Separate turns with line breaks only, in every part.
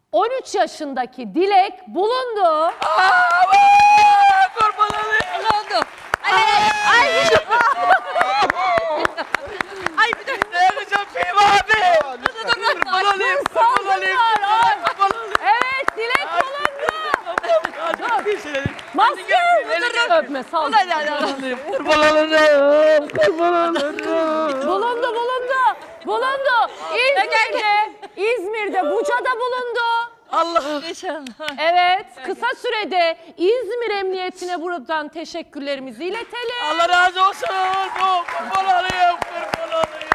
13 yaşındaki Dilek bulundu.
Kurban olayım.
Bulundu. Ay bir dakika.
Ne yapacağım Fehmi abi? Kurban olayım. Kurban olayım. Kurban olayım.
Evet, Dilek bulundu. Maske öpme, sal.
Kurban olayım. Kurban olayım.
Bulundu. İzmir'de, Buca'da bulundu.
Allah.
Evet, kısa sürede İzmir Emniyetine buradan teşekkürlerimizi iletelim.
Allah razı olsun. Kurban olayım. Kurban olayım.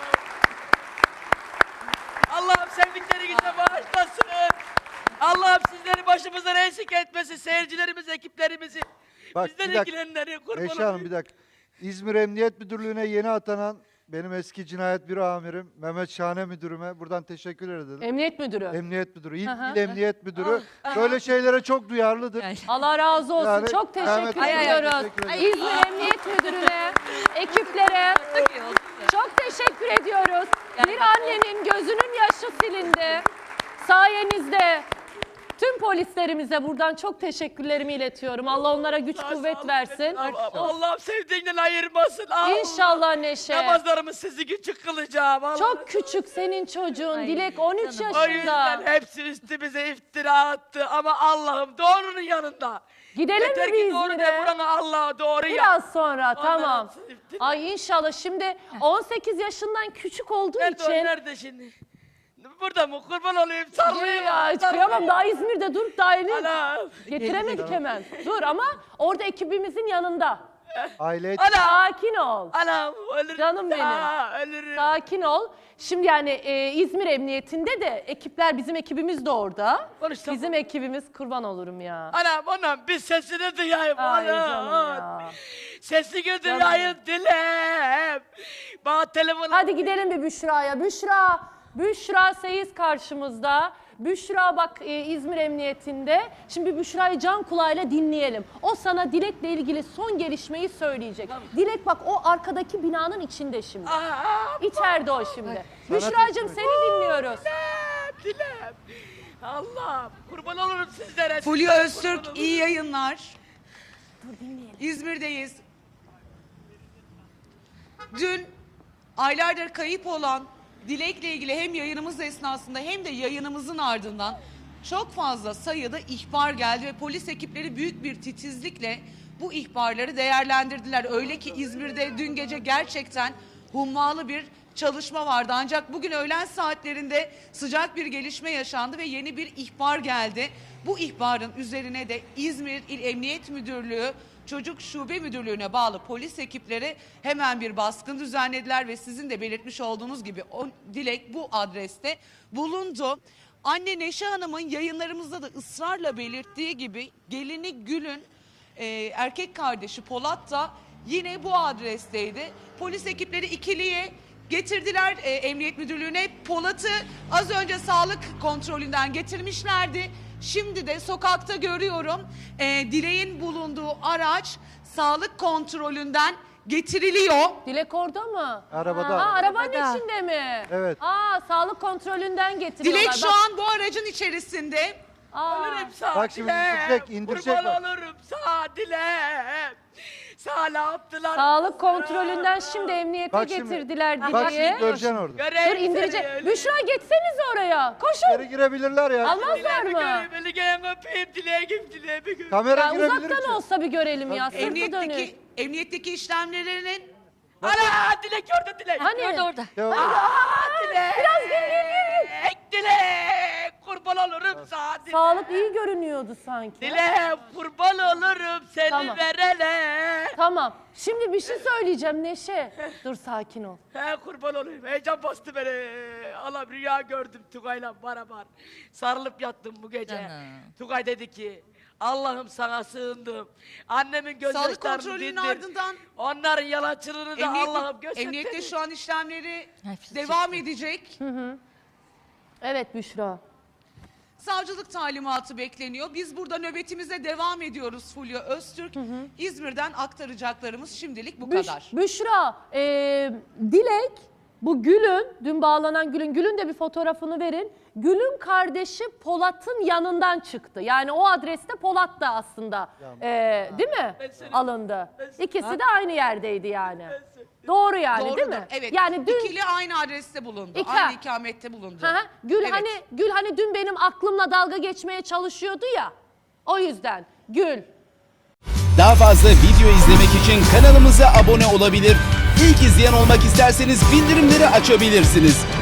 Allah'ım sevdiklerinize bağışlasın. Allah'ım sizleri başımızdan eksik etmesin. Seyircilerimiz, ekiplerimizi.
Bak,
Bizden
bir dakika.
ilgilenenleri kurban
Neşe Hanım
olayım.
bir dakika. İzmir Emniyet Müdürlüğü'ne yeni atanan benim eski cinayet büro amirim Mehmet Şahane müdürüme buradan teşekkür ederim.
Emniyet Müdürü.
Emniyet Müdürü,
Hı hı.
İl Emniyet Müdürü böyle şeylere çok duyarlıdır.
Allah razı olsun.
Yani
Çok
Mehmet
teşekkür
Bey'e
ediyoruz.
teşekkür ederim.
İzmir Emniyet Müdürü'ne, ekiplere çok teşekkür ediyoruz. Bir annenin gözünün yaşı silindi. Sayenizde tüm polislerimize buradan çok teşekkürlerimi iletiyorum. Allah onlara güç kuvvet versin.
Allah'ım sevdiğinden ayırmasın. Allah.
İnşallah Neşe.
Namazlarımı sizi küçük kılacağım. Allah.
Çok küçük senin çocuğun. Dilek 13
canım.
O yüzden
yaşında.
hepsi üstümüze iftira attı. Ama Allah'ım doğrunun yanında.
Gidelim
Yeter
mi
ki
bir
doğru de
İzmir'e?
burana Allah'a doğru ya.
Biraz sonra
Ondan
tamam.
atsın iftira.
Ay inşallah şimdi 18 yaşından küçük olduğu
Nerede o?
için.
Nerede şimdi? Burada mı? Kurban olayım. Sarılayım.
Ya, kıyamam daha İzmir'de dur daha yeni
Anam.
getiremedik hemen. Dur ama orada ekibimizin yanında.
Aile
Anam.
Sakin ol.
Anam. Ölürüm.
Canım benim.
Ölürüm.
Sakin ol. Şimdi yani İzmir Emniyetinde de ekipler bizim ekibimiz de orada.
Konuş tamam.
Bizim ekibimiz kurban olurum ya.
Anam bir sesini duyayım.
Ay canım
Anam.
ya.
Sesini duyayım dilem. Bana telefon.
Hadi gidelim bir Büşra'ya. Büşra Seyiz karşımızda. Büşra bak İzmir Emniyetinde. Şimdi Büşra'yı can kulağıyla dinleyelim. O sana Dilek'le ilgili son gelişmeyi söyleyecek. Dilek bak o arkadaki binanın içinde şimdi. İçeride o şimdi. Büşra'cığım seni dinliyoruz.
Dilem. Allah kurban olurum sizlere.
Fulya Öztürk iyi yayınlar.
Dur dinleyelim.
İzmir'deyiz. Dün aylardır kayıp olan Dilek'le ilgili hem yayınımız esnasında hem de yayınımızın ardından çok fazla sayıda ihbar geldi ve polis ekipleri büyük bir titizlikle bu ihbarları değerlendirdiler. Öyle ki İzmir'de dün gece gerçekten hummalı bir çalışma vardı. Ancak bugün öğlen saatlerinde sıcak bir gelişme yaşandı ve yeni bir ihbar geldi. Bu ihbarın üzerine de İzmir İl Emniyet Müdürlüğü Çocuk Şube Müdürlüğü'ne bağlı polis ekipleri hemen bir baskın düzenlediler ve sizin de belirtmiş olduğunuz gibi o Dilek bu adreste bulundu. Anne Neşe Hanım'ın yayınlarımızda da ısrarla belirttiği gibi gelini Gül'ün erkek kardeşi Polat da yine bu adresteydi. Polis ekipleri ikiliye getirdiler Emniyet Müdürlüğü'ne. Polat'ı az önce sağlık kontrolünden getirmişlerdi. Şimdi de sokakta görüyorum Dilek'in bulunduğu araç sağlık kontrolünden getiriliyor.
Dilek orada mı?
Arabada.
Ha, arabanın
Arabada.
içinde mi?
Evet.
Sağlık kontrolünden getiriyorlar.
Dilek şu
Bak-
an bu aracın içerisinde.
Ölürüm sağ
Bak şimdi indirecek
Kurban
bak.
olurum sağ dilem. Sağ ne yaptılar?
Sağlık kontrolünden şimdi emniyete
Bak şimdi-
getirdiler
Bak
Dilek'i.
şimdi göreceksin orada.
Göreyim
Dur indirecek.
seni,
Büşra geçseniz oraya. Koşun.
İçeri girebilirler ya.
Almazlar mı?
Beni gelin öpeyim dileğim dileğimi.
Kamera
Ya
girebilir
uzaktan
içeri.
olsa bir görelim ya. Sırtı dönük.
Emniyetteki işlemlerinin
Ana dilek orada dilek.
Hani?
orada.
Devam.
Dilek. Biraz gül. Dilek. Kurban olurum sağ dilek.
Sağlık iyi görünüyordu sanki.
Dilek kurban olurum seni
Tamam.
verene.
Tamam. Şimdi bir şey söyleyeceğim Neşe. Dur sakin ol.
He kurban olayım. Heyecan bastı beni. Allah rüya gördüm Tugay'la beraber. Sarılıp yattım bu gece.
Canım.
Tugay dedi ki Allah'ım sana sığındım. Annemin
Sağlık
gözyaşlarını
kontrolünün
dindir.
ardından
Onların yalancılığını da Allah'ım göster.
emniyette şu an işlemleri
Hepsi
devam edecek.
Evet Büşra.
Savcılık talimatı bekleniyor. Biz burada nöbetimize devam ediyoruz Fulya Öztürk. İzmir'den aktaracaklarımız şimdilik bu kadar.
Büşra, Dilek Bu Gül'ün, dün bağlanan Gül'ün de bir fotoğrafını verin. Gül'ün kardeşi Polat'ın yanından çıktı. Yani o adreste Polat da aslında değil mi? Alındı. İkisi de aynı yerdeydi yani. Doğru yani değil
Doğrudur.
mi?
Evet.
Yani dün
İkili aynı adreste bulundu.
İki-
Aynı ikamette bulundu.
Hı hı. Gül
Evet.
hani dün benim aklımla dalga geçmeye çalışıyordu ya. O yüzden Gül.
Daha fazla video izlemek için kanalımıza abone olabilir. İlk izleyen olmak isterseniz bildirimleri açabilirsiniz.